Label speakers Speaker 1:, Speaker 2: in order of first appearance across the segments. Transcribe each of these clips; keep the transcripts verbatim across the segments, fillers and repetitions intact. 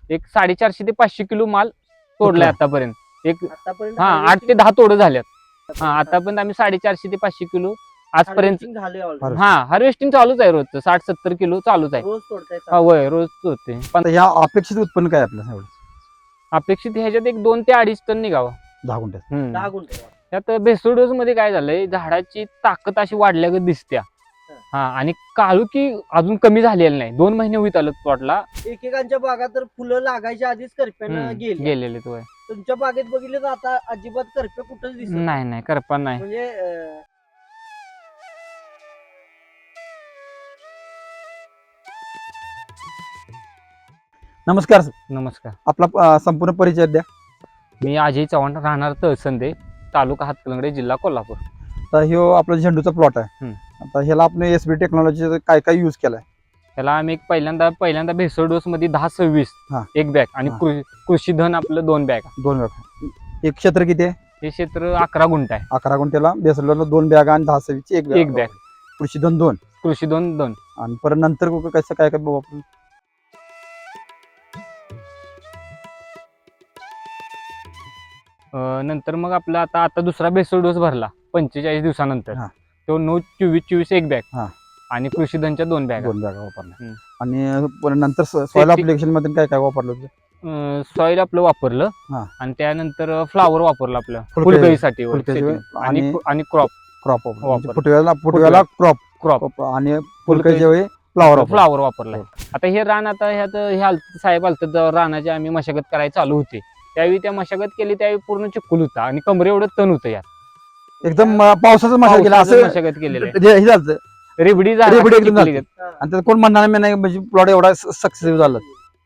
Speaker 1: एक साडेचारशे ते पाचशे किलो माल तोडलाय आतापर्यंत. एक
Speaker 2: आतापर्यंत
Speaker 1: हा आठ ते दहा तोड झाल्यात. हा आतापर्यंत आम्ही साडेचारशे ते पाचशे किलो आजपर्यंत.
Speaker 2: harvesting झालंय already.
Speaker 1: हा हार्वेस्टिंग चालूच आहे, रोजचं साठ सत्तर किलो चालूच आहे.
Speaker 2: रोज तोडताय
Speaker 1: हा होय रोज होते. पण
Speaker 3: आता ह्या अपेक्षित उत्पन्न काय आपलं एवढं
Speaker 1: अपेक्षित ह्याच्यात एक दोन ते अडीच टन निघावं.
Speaker 3: दहा गुंठ्यात?
Speaker 1: हम्म.
Speaker 2: दहा गुंठे
Speaker 1: त्यात भेसळ डोस मध्ये काय झालंय, झाडाची ताकद अशी वाढल्यागत दिसत्या. हा आणि काळुकी अजून कमी झालेली नाही. दोन महिने होईत आलं प्लॉटला.
Speaker 2: एकेकांच्या बागात तर फुलं लागायच्या आधीच करप्यानं गेली.
Speaker 1: गेलेले तो
Speaker 2: तुमच्या बागेत बघितलं तर आता अजिबात करप्या कुठंच दिसत
Speaker 1: नाही नाही करपा नाही.
Speaker 2: म्हणजे अं,
Speaker 3: नमस्कार सर.
Speaker 1: नमस्कार,
Speaker 3: आपला अं, संपूर्ण परिचय द्या.
Speaker 1: मी अजय चव्हाण, राहणार तहसंदे, तालुका हातकणंगले, जिल्हा कोल्हापूर.
Speaker 3: तर ह्यो आपला झेंडूचा प्लॉट आहे.
Speaker 1: हम्म.
Speaker 3: आता ह्याला आपण एस बी टेक्नॉलॉजी काय काय यूज केलाय?
Speaker 1: त्याला आम्ही एक पहिल्यांदा पहिल्यांदा भेसळ डोस मध्ये दहा सव्वीस
Speaker 3: हा.
Speaker 1: एक बॅग आणि
Speaker 3: हा.
Speaker 1: कृ- कृषी धन आपलं दोन बॅग.
Speaker 3: दोन बॅग. एक क्षेत्र किती आहे?
Speaker 1: हे क्षेत्र अकरा गुंठ आहे.
Speaker 3: अकरा गुंठ्याला बेसरला दोन बॅग आणि दहा सव्वीसची एक
Speaker 1: एक बॅग.
Speaker 3: कृषी धन दोन
Speaker 1: कृषी दोन दोन
Speaker 3: आणि परत नंतर कुठं कसं काय काय वापरून?
Speaker 1: अं, नंतर मग आपला आता आता दुसरा भेसळ डोस भरला पंचेचाळीस दिवसानंतर.
Speaker 3: हा.
Speaker 1: तो नऊ चोवीस चोवीस एक बॅग
Speaker 3: हा.
Speaker 1: आणि कृषी धनच्या दोन बॅग.
Speaker 3: दोन बॅगा वापरल्या.
Speaker 1: हम्म.
Speaker 3: आणि परत नंतर सॉइल
Speaker 1: Safety-
Speaker 3: अप्लिकेशन मध्ये काय काय वापरलं होतं?
Speaker 1: सॉइल आपलं वापरलं
Speaker 3: हा.
Speaker 1: आणि त्यानंतर फ्लावर वापरलं आपलं
Speaker 3: फुलकळी-
Speaker 1: फुलकळीसाठी वर
Speaker 3: फुलकळी
Speaker 1: setting.
Speaker 3: आणि-
Speaker 1: आणि आणि क्रॉप
Speaker 3: क्रॉप
Speaker 1: वापर.
Speaker 3: फुटव्याला फुटव्याला क्रॉप
Speaker 1: क्रॉप
Speaker 3: आणि फुलकळीच्या वेळी फ्लावर
Speaker 1: फ्लावर वापरलाय. आता हे रान आता ह्यात हे आलत साहेब आलत रानाची आम्ही मशागत करायला चालू होते, त्यावेळी त्या मशागत केली त्यावेळी पूर्ण चिखल होता आणि कमरे एवढं तण होतं यात.
Speaker 3: एकदम अं, पावसाचं मशागत केलं
Speaker 1: पावसाचं
Speaker 3: असं
Speaker 1: मशागत केलेलं आहे.
Speaker 3: हे झालं.
Speaker 1: रेबडी
Speaker 3: रेबडी एकदम
Speaker 1: झाली.
Speaker 3: झाली. आणि त्यात कोण म्हणणार नाही म्हणजे प्लॉट एवढा सक्सेसफुल झाला.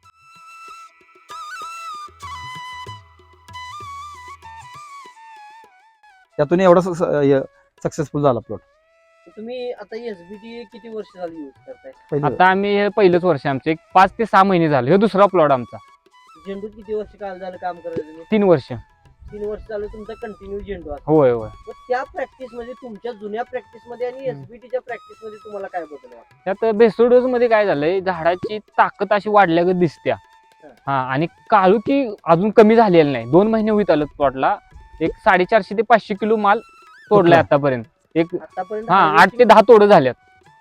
Speaker 3: त्यातून एवढा सक्सेसफुल झाला प्लॉट.
Speaker 2: तुम्ही आता एसबीटी किती वर्ष झाली युज करताय?
Speaker 3: पहिलं
Speaker 1: आता आम्ही हे पहिलंच वर्ष आमचं, एक पाच ते सहा महिने झाले. हे दुसरा प्लॉट आमचा.
Speaker 2: झेंडूत किती वर्ष काल झालं काम करायचं तुम्ही?
Speaker 1: तीन वर्ष.
Speaker 2: तीन वर्ष झालं तुमचा कंटिन्यू झेंडू आहे.
Speaker 1: होय होय.
Speaker 2: मग त्या प्रॅक्टिस मध्ये तुमच्या जुन्या प्रॅक्टिस मध्ये आणि एसबीटीच्या प्रॅक्टिस मध्ये तुम्हाला काय बदल वाटतं?
Speaker 1: त्यात भेसळ डोस मध्ये काय झालंय, झाडाची ताकद अशी वाढल्यागत दिसत्या. हा आणि काळुकी अजून कमी झालेली नाही. दोन महिने होईत आलं प्लॉटला. एक साडेचारशे ते पाचशे किलो माल तोडलाय आतापर्यंत. एक
Speaker 2: आतापर्यंत
Speaker 1: हा आठ ते
Speaker 2: harvesting
Speaker 1: दहा तोड झाल्यात.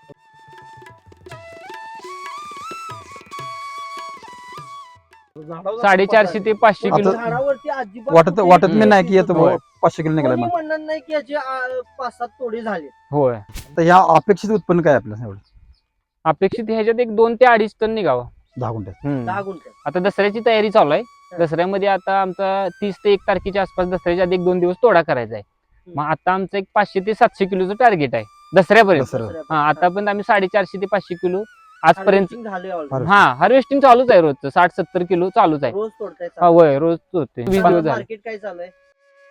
Speaker 1: साडेचारशे ते पाचशे
Speaker 3: आता-
Speaker 1: किलो.
Speaker 2: झाडावरती अजिबात
Speaker 3: वाटत
Speaker 2: कुठेही
Speaker 3: वाटत मी नाही की
Speaker 2: दिसत
Speaker 3: येतो
Speaker 1: होय.
Speaker 3: पाचशे किलो निघाला
Speaker 2: कोणी
Speaker 3: मग.
Speaker 2: म्हणणार नाही की याचे आ, पाच सात तोडे झाले.
Speaker 1: होय
Speaker 3: तर ह्या अपेक्षित उत्पन्न काय आपलं एवढं
Speaker 1: अपेक्षित ह्याच्यात एक दोन ते अडीच टन निघावं.
Speaker 3: दहा गुंठ्यात?
Speaker 1: हम्म.
Speaker 2: दहा गुंठे
Speaker 1: आता दसऱ्याची तयारी चालू आहे. दसऱ्यामध्ये आता आमचा तीस ते एक तारखेच्या आसपास दसऱ्याच्या आधी एक दोन दिवस तोडा करायचा आहे. मग आता आमचं एक पाचशे ते सातशे किलोचं टार्गेट आहे दसऱ्यापर्यंत.
Speaker 3: दसऱ्या.
Speaker 1: हा आतापर्यंत आम्ही साडेचारशे ते पाचशे किलो आजपर्यंत.
Speaker 2: Harvesting झालंय already.
Speaker 3: Harvesting.
Speaker 1: हा हार्वेस्टिंग चालूच आहे, रोजचं साठ सत्तर किलो चालूच आहे.
Speaker 2: रोज तोडताय
Speaker 1: हा होय रोज होते. वीस दिवस झाले.
Speaker 2: मार्केट काय चालू आहे?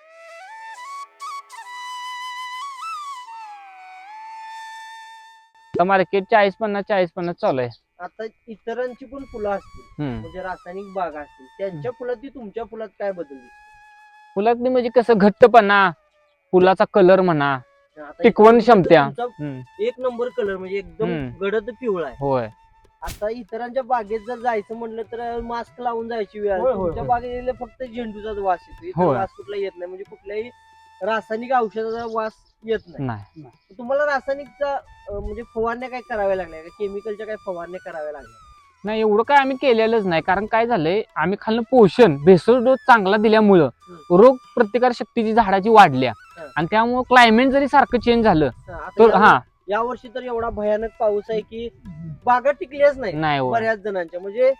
Speaker 1: आता मार्केट चाळीस पन्नास चाळीस पन्नास चालू आहे.
Speaker 2: आता इतरांची पण फुलं असतील
Speaker 1: हम्म.
Speaker 2: म्हणजे रासायनिक बागा असतील, त्यांच्या फुलात तुमच्या फुलात काय बदल दिसतो?
Speaker 1: फुलातली म्हणजे कसं घट्टपणा, फुलाचा कलर म्हणा,
Speaker 2: आता
Speaker 1: टिकवण
Speaker 2: इतरांचा
Speaker 1: क्षमता.
Speaker 2: तुमचा
Speaker 1: हम्म.
Speaker 2: एक नंबर कलर म्हणजे एकदम
Speaker 1: हम्म.
Speaker 2: गडद पिवळा आहे.
Speaker 1: होय
Speaker 2: आता इतरांच्या बागेत जर जायचं म्हटलं तर मास्क लावून जायची वेळ आहे.
Speaker 1: होय, होय,
Speaker 2: तुमच्या
Speaker 1: होय.
Speaker 2: बागेत गेले फक्त झेंडूचाच वास येतो, इतर
Speaker 1: होय.
Speaker 2: वास कुठला येत नाही, म्हणजे कुठल्याही रासायनिक औषधाचा वास येत नाही.
Speaker 1: नाही.
Speaker 2: तुम्हाला रासायनिकचा अं, म्हणजे फवारण्या काय कराव्या लागल्या का? केमिकलच्या काय फवारण्या कराव्या लागल्या?
Speaker 1: नाही एवढं काय आम्ही केलेलंच नाही. कारण काय झालंय, आम्ही खाल्लं पोषण भेसळ डोस चांगला दिल्यामुळं रोग प्रतिकार शक्तीची झाडाची वाढल्या.
Speaker 2: हं.
Speaker 1: आणि त्यामुळे क्लायमेट जरी सारखं चेंज झालं
Speaker 2: हा, आता
Speaker 1: तर
Speaker 2: या-
Speaker 1: हा
Speaker 2: या वर्षी तर एवढा भयानक पाऊस आहे की बागा टिकल्याच नाही
Speaker 1: नाही होय.
Speaker 2: बऱ्याच जणांच्या. म्हणजे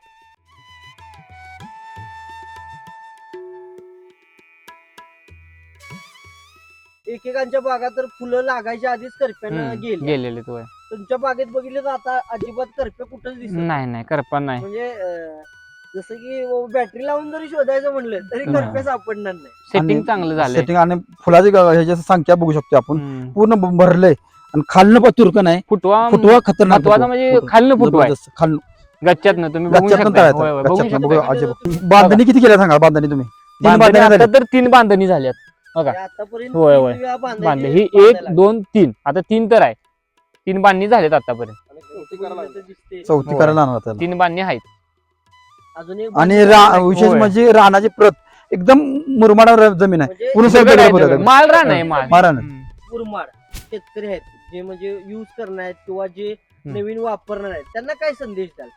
Speaker 2: एकेकांच्या बागात तर फुलं लागायच्या आधीच करप्यानं
Speaker 1: हम्म.
Speaker 2: गेली.
Speaker 1: गेलेले तो
Speaker 2: तुमच्या बागेत बघितलं तर आता अजिबात करप्या कुठंच दिसत नाही.
Speaker 1: नाही नाही करपा नाही.
Speaker 2: म्हणजे अं, जसं की बॅटरी लावून जरी शोधायचं म्हणलं तरी
Speaker 1: हम्म.
Speaker 2: करप्या सापडणार नाही.
Speaker 1: सेटिंग
Speaker 3: आणि
Speaker 1: चांगलं झालंय.
Speaker 3: सेटिंग आणि फुलाची ग- ह्याची संख्या बघू शकतो आपण.
Speaker 1: हम्म.
Speaker 3: पूर्ण ब- भरलंय आणि खालनं पण तुरकं नाही.
Speaker 1: फुटवा
Speaker 3: फुटवा खतरनाक
Speaker 1: महत्वाचा
Speaker 3: फुटवा.
Speaker 1: म्हणजे
Speaker 3: फुटवा.
Speaker 1: खालनं फुटवा आहे.
Speaker 3: जबरदस्त. खालनं
Speaker 1: गच्च्यातनं तुम्ही बघू
Speaker 3: गच्च्यातनं
Speaker 1: शकता.
Speaker 3: तळायचं.
Speaker 1: होय, होय, बघू
Speaker 3: गच्च्यातनं
Speaker 1: शकता.
Speaker 3: बघू. अजिबात. बांधणी किती केल्या सांगा बांधणी तुम्ही? तीन
Speaker 1: बांधणी
Speaker 3: बांधणी
Speaker 1: आता
Speaker 3: झाल्या.
Speaker 1: तर तीन बांधणी झाल्यात बघा.
Speaker 2: म्हणजे आतापर्यंत
Speaker 1: होय,
Speaker 2: तीन
Speaker 1: होय.
Speaker 2: वेळा बांधायची-
Speaker 1: बांधले ही
Speaker 2: बांधायला
Speaker 1: एक
Speaker 2: लागली.
Speaker 1: दोन तीन आता तीन तर आहे. तीन बांधणी झाल्यात आतापर्यंत.
Speaker 2: आणि चौथी बांधणी तर दिसते.
Speaker 3: चौथी
Speaker 1: होय.
Speaker 3: करायला आणणार त्याला.
Speaker 1: तीन बांधणी आहेत.
Speaker 2: अजून एक
Speaker 3: आणि
Speaker 2: बाजू-
Speaker 3: रा- विशेष
Speaker 1: होय.
Speaker 3: म्हणजे रानाची प्रत एकदम मुरमाड जमीन आहे
Speaker 2: म्हणजे
Speaker 3: पूर्ण
Speaker 1: दगड
Speaker 3: सगळं
Speaker 1: आहे,
Speaker 3: दगड
Speaker 1: दगड.
Speaker 3: आहे.
Speaker 1: माल रान आहे माल
Speaker 3: माल रान.
Speaker 1: हम्म.
Speaker 2: मुरमाड शेतकरी आहेत जे म्हणजे युज करणार आहेत किंवा जे
Speaker 1: हम्म.
Speaker 2: नवीन वापरणार आहेत त्यांना काय संदेश द्याल?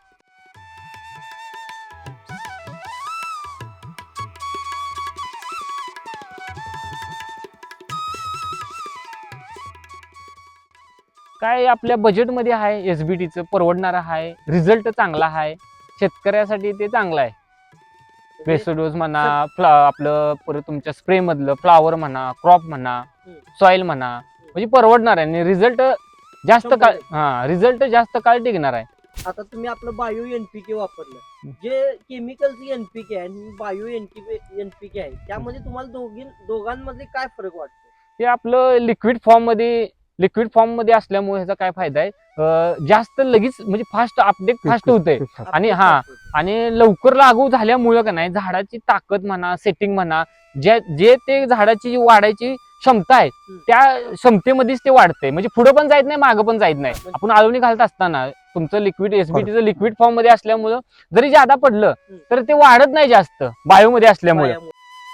Speaker 1: काय आपल्या बजेटमध्ये आहे एसबीटीचं परवडणारं आहे रिझल्ट चांगला आहे शेतकऱ्यासाठी ते चांगलं आहे
Speaker 2: म्हणजे
Speaker 1: बेसोडोज म्हणा फ्ला आपलं परत तुमच्या स्प्रे मधलं फ्लावर म्हणा क्रॉप म्हणा
Speaker 2: हम्म.
Speaker 1: सॉइल म्हणा म्हणजे परवडणार आहे आणि रिझल्ट जास्त
Speaker 2: शंभर
Speaker 1: काळ
Speaker 2: टक्के.
Speaker 1: हा रिझल्ट जास्त काळ टिकणार आहे
Speaker 2: आता तुम्ही आपलं बायो एनपीके वापरलं जे केमिकलचं एनपीके आहे आणि बायो एनपीके आहे त्यामध्ये तुम्हाला दोघी दोघांमध्ये काय फरक वाटतो?
Speaker 1: ते आपलं लिक्विड फॉर्म मध्ये लिक्विड फॉर्म मध्ये असल्यामुळे ह्याचा काय फायदा आहे अं, जास्त लगेच म्हणजे फास्ट अपडेट फास्ट होते आणि हा आणि लवकर लागू झाल्यामुळं का नाही झाडाची ताकद म्हणा सेटिंग म्हणा जे जे ते झाडाची जी वाढायची क्षमता आहे त्या क्षमतेमध्येच ते वाढते म्हणजे पुढे पण जायत नाही मागं पण जायत नाही आपण आळवणी घालत असताना तुमचं लिक्विड एसबीटीचं लिक्विड फॉर्म मध्ये असल्यामुळं जरी जादा पडलं तर ते वाढत नाही जास्त बायो मध्ये असल्यामुळे
Speaker 2: बायामुळे.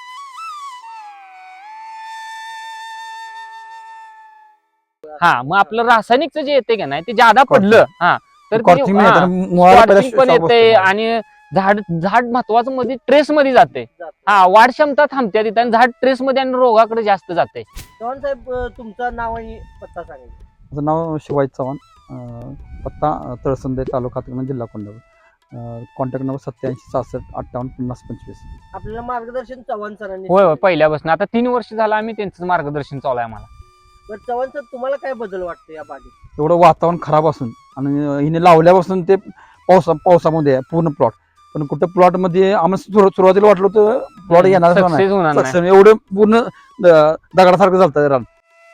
Speaker 1: हा मग आपलं रासायनिकचं जे येते का नाही ते जादा पडलं हा तर ते-
Speaker 3: Corking
Speaker 1: हा,
Speaker 3: नाही, तर मुळाला पहिला
Speaker 1: Squatting पण
Speaker 3: shock बसतो.
Speaker 1: येते आणि झाड झाड महत्वाचं मध्ये ट्रेस मध्ये जाते
Speaker 2: जातं.
Speaker 1: हा वाढ क्षमता थांबते तिथे आणि झाड ट्रेस मध्ये आणि रोगाकडे जास्त जाते
Speaker 2: चव्हाण साहेब अं, तुमचं नाव आणि पत्ता सांगा.
Speaker 3: माझं नाव शिवाजी चव्हाण अं, पत्ता अं, तळसंदे तालुका हातकणंगले, जिल्हा कोल्हापूर कॉन्टॅक्ट नंबर सत्याऐंशी सहासष्ट अठ्ठावन्न पन्नास पंचवीस.
Speaker 2: आपल्याला मार्गदर्शन चव्हाण सरांनी
Speaker 1: होय होय
Speaker 2: केलं.
Speaker 1: पहिल्यापासून आता तीन वर्ष झालं आम्ही त्यांचं मार्गदर्शन चालू आहे आम्हाला
Speaker 2: बरं चव्हाण सर तुम्हाला काय बदल वाटतो या बागेत?
Speaker 3: एवढं वातावरण खराब असून आणि हिने लावल्यापासून ते पावसा पावसामध्ये आहे पूर्ण प्लॉट पण कुठं प्लॉट मध्ये आम्हाला सुरु- सुरुवातीला वाटलं होतं प्लॉट येणार नाही
Speaker 1: सक्सेस होणार नाही
Speaker 3: Success. एवढं पूर्ण द- दगडासारखं झालं रान.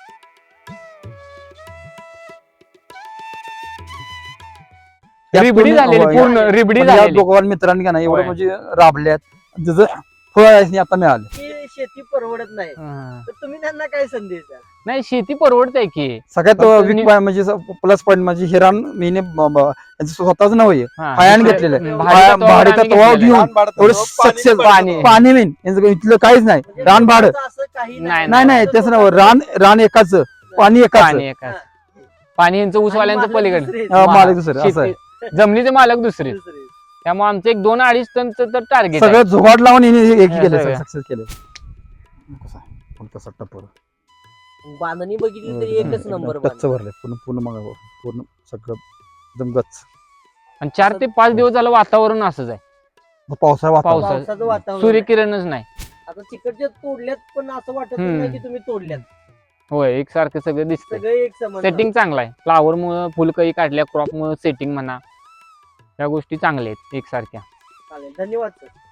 Speaker 3: त्यात
Speaker 1: रिबडी
Speaker 3: पूर्ण-
Speaker 1: झालेली
Speaker 3: होय.
Speaker 1: पूर्ण रिबडी
Speaker 3: पण या
Speaker 1: झालेली
Speaker 3: दोघांनी मित्रांनी का नाही एवढं
Speaker 1: होय.
Speaker 3: म्हणजे राबल्यात जसं फळ आता मिळाले.
Speaker 2: की शेती परवडत नाही
Speaker 1: हा.
Speaker 2: तर तुम्ही त्यांना काय संदेश द्याल?
Speaker 1: नाही शेती परवडते की
Speaker 3: सगळ्यात
Speaker 1: फक्त
Speaker 3: वीक
Speaker 1: नि-
Speaker 3: पॉईंट म्हणजे प्लस पॉईंट म्हणजे हे रान मीने ब- ब- यांचं स्वतःच नाव आहे
Speaker 1: हा.
Speaker 3: भाड्याने
Speaker 1: दुसऱ्या-
Speaker 3: घेतलेलं आहे.
Speaker 1: भाडे
Speaker 3: भाड्या-
Speaker 1: तत्वावर
Speaker 3: भाडे
Speaker 1: आम्ही
Speaker 3: तत्वावर
Speaker 1: घेतलेलं आहे.
Speaker 3: घेऊन एवढं सक्सेस
Speaker 1: पाणी.
Speaker 3: पाणी मेन यांचं इथलं काहीच नाही
Speaker 2: म्हणजे
Speaker 3: रान भाडं
Speaker 2: लोकांचं असं काही
Speaker 1: नाही,
Speaker 3: नाही नाही तेच ना रान रान एकाच पाणी एकाच
Speaker 1: पाणी एकाच पाणी यांचं ऊसवाल्यांचं
Speaker 2: आणि मालक
Speaker 1: पलीकडे
Speaker 2: दुसरे.
Speaker 3: हा, मालक दुसरे, असं आहे.
Speaker 1: शेती- जमिनीचे मालक दुसरे
Speaker 2: दुसरे.
Speaker 1: त्यामुळे आमचं एक दोन अडीच टनचं तर टार्गेट
Speaker 3: सगळं जुगाड लावून हिने हे
Speaker 1: हे
Speaker 3: केलं
Speaker 1: सगळं.
Speaker 3: सक्सेस केलं कसं आहे? कोणता सट्टा पोरं.
Speaker 2: बांधणी बघितली तरी एकच
Speaker 3: एकदम
Speaker 2: नंबर
Speaker 3: टच्च भरले पूर्ण पूर्ण मग पूर्ण सगळं एकदम गच्च
Speaker 1: आणि चार ते पाच दिवस झालं वातावरण असंच आहे
Speaker 3: पावसाळा वातावरण
Speaker 1: पावसा-
Speaker 2: पावसाचं वातावरण
Speaker 1: सूर्यकिरणच नाही
Speaker 2: आता तिकडच्या तोडल्यात पण असं वाटत
Speaker 1: हम्म.
Speaker 2: नाही की तुम्ही तोडल्यात
Speaker 1: होय एकसारखं सगळं दिसतंय
Speaker 2: सगळे एक समान
Speaker 1: सेटिंग चांगलं आहे फ्लावर मुळे फुलकळी काढल्या क्रॉप मुळे सेटिंग म्हणा या गोष्टी चांगल्या आहेत एकसारख्या
Speaker 2: चालेल धन्यवाद सर.